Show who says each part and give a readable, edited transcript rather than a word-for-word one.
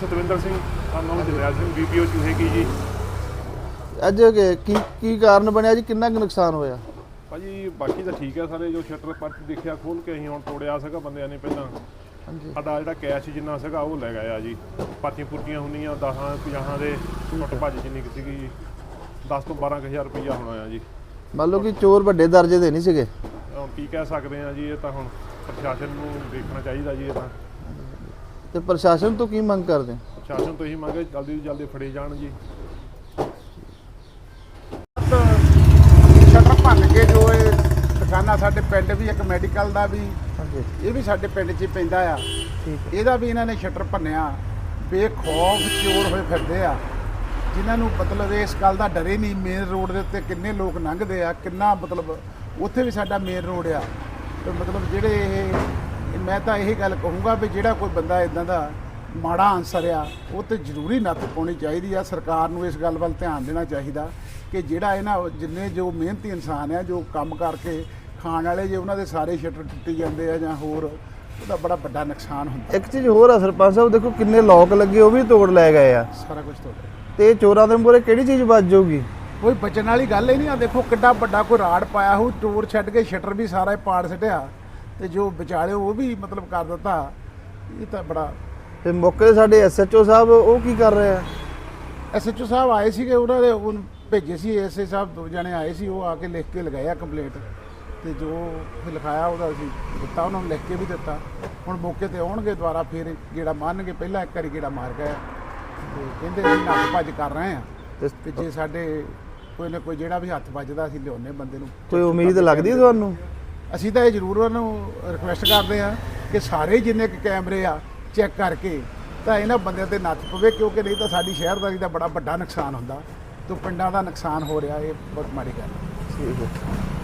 Speaker 1: ਸਤਵਿੰਦਰ ਸਿੰਘ ਸਾਨੂੰ ਜਰਨੈਲ ਸਿੰਘ BPO ਚੂਹੇਗੀ ਜੀ।
Speaker 2: ਅੱਜ ਕੀ ਕਾਰਨ ਬਣਿਆ ਜੀ, ਕਿੰਨਾ ਕੁ ਨੁਕਸਾਨ ਹੋਇਆ?
Speaker 1: ਭਾਜੀ ਬਾਕੀ ਤਾਂ ਠੀਕ ਹੈ ਸਾਰੇ, ਜੋ ਸ਼ਟਰ ਪਰਚ ਦੇਖਿਆ ਖੋਲ ਕੇ ਅਸੀਂ ਹੁਣ ਤੋੜਿਆ ਸੀਗਾ ਬੰਦਿਆਂ ਨੇ ਪਹਿਲਾਂ।
Speaker 2: ਹਾਂਜੀ।
Speaker 1: ਸਾਡਾ ਜਿਹੜਾ ਕੈਸ਼ ਜਿੰਨਾ ਸੀਗਾ ਉਹ ਲੈ ਗਏ ਆ ਜੀ। ਪਰਚੀਆਂ ਪੁਰਚੀਆਂ ਹੁੰਦੀਆਂ 10-50 ਦੇ ਟੁੱਟ ਭੱਜ ਜਿੰਨੀ ਕੁ ਸੀਗੀ ਜੀ, 10 ਤੋਂ 12,000 ਰੁਪਈਆ ਹੋਣਾ ਆ ਜੀ।
Speaker 2: ਮੰਨ ਲਓ ਕਿ ਚੋਰ ਵੱਡੇ ਦਰਜੇ ਦੇ ਨਹੀਂ ਸੀਗੇ।
Speaker 1: ਹੁਣ ਕੀ ਕਹਿ ਸਕਦੇ ਆ ਜੀ, ਇਹ ਤਾਂ ਹੁਣ ਪ੍ਰਸ਼ਾਸਨ ਨੂੰ ਦੇਖਣਾ ਚਾਹੀਦਾ ਜੀ। ਇਹ ਤਾਂ
Speaker 2: ਤੇ ਪ੍ਰਸ਼ਾਸਨ ਤੋਂ ਕੀ ਮੰਗ ਕਰਦੇ?
Speaker 1: ਪ੍ਰਸ਼ਾਸਨ ਤੋਂ ਇਹੀ ਮੰਗੇ ਜਲਦੀ ਤੋਂ ਜਲਦੀ ਫੜੇ ਜਾਣ ਜੀ।
Speaker 3: ਸ਼ਟਰ ਭੰਨ ਕੇ ਜੋ ਇਹ ਦੁਕਾਨਾਂ, ਸਾਡੇ ਪਿੰਡ ਵੀ ਇੱਕ ਮੈਡੀਕਲ ਦਾ ਵੀ,
Speaker 2: ਹਾਂਜੀ
Speaker 3: ਇਹ ਵੀ ਸਾਡੇ ਪਿੰਡ 'ਚ ਹੀ ਪੈਂਦਾ ਆ।
Speaker 2: ਠੀਕ ਹੈ।
Speaker 3: ਇਹਦਾ ਵੀ ਇਹਨਾਂ ਨੇ ਸ਼ਟਰ ਭੰਨਿਆ। ਬੇਖੌਫ ਚੋਰ ਹੋਏ ਫਿਰਦੇ ਆ, ਜਿਨ੍ਹਾਂ ਨੂੰ ਮਤਲਬ ਇਸ ਗੱਲ ਦਾ ਡਰ ਹੀ ਨਹੀਂ। ਮੇਨ ਰੋਡ ਦੇ ਉੱਤੇ ਕਿੰਨੇ ਲੋਕ ਲੰਘਦੇ ਆ, ਕਿੰਨਾ ਮਤਲਬ ਉੱਥੇ ਵੀ ਸਾਡਾ ਮੇਨ ਰੋਡ ਆ। ਤੇ ਮਤਲਬ ਜਿਹੜੇ ਮੈਂ ਤਾਂ ਇਹੀ ਗੱਲ ਕਹੂੰਗਾ ਵੀ ਜਿਹੜਾ ਕੋਈ ਬੰਦਾ ਇਦਾਂ ਦਾ ਮਾੜਾ ਆਨਸਰ ਆ, ਉਹ ਤੇ ਜ਼ਰੂਰੀ ਨੱਥ ਪਾਉਣੀ ਚਾਹੀਦੀ ਆ। ਸਰਕਾਰ ਨੂੰ ਇਸ ਗੱਲ ਵੱਲ ਧਿਆਨ ਦੇਣਾ ਚਾਹੀਦਾ ਕਿ ਜਿਹੜਾ ਇਹਨਾਂ ਜਿੰਨੇ ਜੋ ਮਿਹਨਤੀ ਇਨਸਾਨ ਆ, ਜੋ ਕੰਮ ਕਰਕੇ ਖਾਣ ਵਾਲੇ, ਜੇ ਉਹਨਾਂ ਦੇ ਸਾਰੇ ਸ਼ਟਰ ਟੁੱਟੀ ਜਾਂਦੇ ਆ ਜਾਂ ਹੋਰ, ਉਹਦਾ ਬੜਾ ਵੱਡਾ ਨੁਕਸਾਨ ਹੁੰਦਾ।
Speaker 2: ਇੱਕ ਚੀਜ਼ ਹੋਰ ਆ ਸਰਪੰਚ ਸਾਹਿਬ, ਦੇਖੋ ਕਿੰਨੇ ਲੋਕ ਲੱਗੇ, ਉਹ ਵੀ ਤੋੜ ਲੈ ਗਏ ਆ।
Speaker 3: ਸਾਰਾ ਕੁਝ ਤੁਹਾਡਾ
Speaker 2: ਤੇ ਚੋਰਾਂ ਦੇ ਮੂਹਰੇ ਕਿਹੜੀ ਚੀਜ਼ ਬਚ ਜਾਊਗੀ?
Speaker 3: ਕੋਈ ਬਚਣ ਵਾਲੀ ਗੱਲ ਹੀ ਨਹੀਂ ਆ। ਦੇਖੋ ਕਿੱਡਾ ਵੱਡਾ ਕੋਈ ਰਾੜ ਪਾਇਆ ਹੋ, ਚੋਰ ਛੱਡ ਕੇ ਸ਼ਟਰ ਵੀ ਸਾਰਾ ਹੀ ਪਾੜ ਛੱਡਿਆ, ਤੇ ਜੋ ਵਿਚਾਲੇ ਉਹ ਵੀ ਮਤਲਬ ਕਰ ਦਿੱਤਾ। ਇਹ ਤਾਂ ਬੜਾ।
Speaker 2: ਤੇ ਮੌਕੇ ਤੇ ਸਾਡੇ SHO ਸਾਹਿਬ ਉਹ ਕੀ ਕਰ ਰਹੇ ਆ?
Speaker 3: SHO ਸਾਹਿਬ ਆਏ ਸੀਗੇ, ਉਹਨਾਂ ਦੇ ਉਹ ਭੇਜੇ ਸੀ ASA ਸਾਹਿਬ, 2 ਜਣੇ ਆਏ ਸੀ, ਉਹ ਆ ਕੇ ਲਿਖ ਕੇ ਲਗਾਇਆ ਕੰਪਲੇਂਟ, ਤੇ ਜੋ ਲਿਖਾਇਆ ਉਹਦਾ ਅਸੀਂ ਦਿੱਤਾ, ਉਹਨਾਂ ਨੂੰ ਲਿਖ ਕੇ ਵੀ ਦਿੱਤਾ। ਹੁਣ ਮੌਕੇ ਤੇ ਆਉਣਗੇ ਦੁਬਾਰਾ, ਫਿਰ ਗੇੜਾ ਮਾਰਨਗੇ। ਪਹਿਲਾਂ ਇੱਕ ਵਾਰੀ ਗੇੜਾ ਮਾਰ ਗਏ ਤੇ ਕਹਿੰਦੇ ਅਸੀਂ ਹੱਥ ਭੱਜ ਕਰ ਰਹੇ ਆ, ਤੇ ਜੇ ਸਾਡੇ ਕੋਈ ਨਾ ਕੋਈ ਜਿਹੜਾ ਵੀ ਹੱਥ ਵੱਜਦਾ ਅਸੀਂ ਲਿਆਉਂਦੇ ਬੰਦੇ ਨੂੰ।
Speaker 2: ਕੋਈ ਉਮੀਦ ਲੱਗਦੀ ਹੈ ਤੁਹਾਨੂੰ?
Speaker 3: ਅਸੀਂ ਤਾਂ ਇਹ ਜ਼ਰੂਰ ਉਹਨਾਂ ਨੂੰ ਰਿਕੁਐਸਟ ਕਰਦੇ ਹਾਂ ਕਿ ਸਾਰੇ ਜਿੰਨੇ ਕੁ ਕੈਮਰੇ ਆ ਚੈੱਕ ਕਰਕੇ ਤਾਂ ਇਹਨਾਂ ਬੰਦਿਆਂ ਤੇ ਨੱਥ ਪਵੇ, ਕਿਉਂਕਿ ਨਹੀਂ ਤਾਂ ਸਾਡੀ ਸ਼ਹਿਰਦਾਰੀ ਦਾ ਬੜਾ ਵੱਡਾ ਨੁਕਸਾਨ ਹੁੰਦਾ, ਤੇ ਪਿੰਡਾਂ ਦਾ ਨੁਕਸਾਨ ਹੋ ਰਿਹਾ। ਇਹ ਬਹੁਤ ਮਾੜੀ ਗੱਲ ਹੈ।
Speaker 2: ਠੀਕ ਹੈ।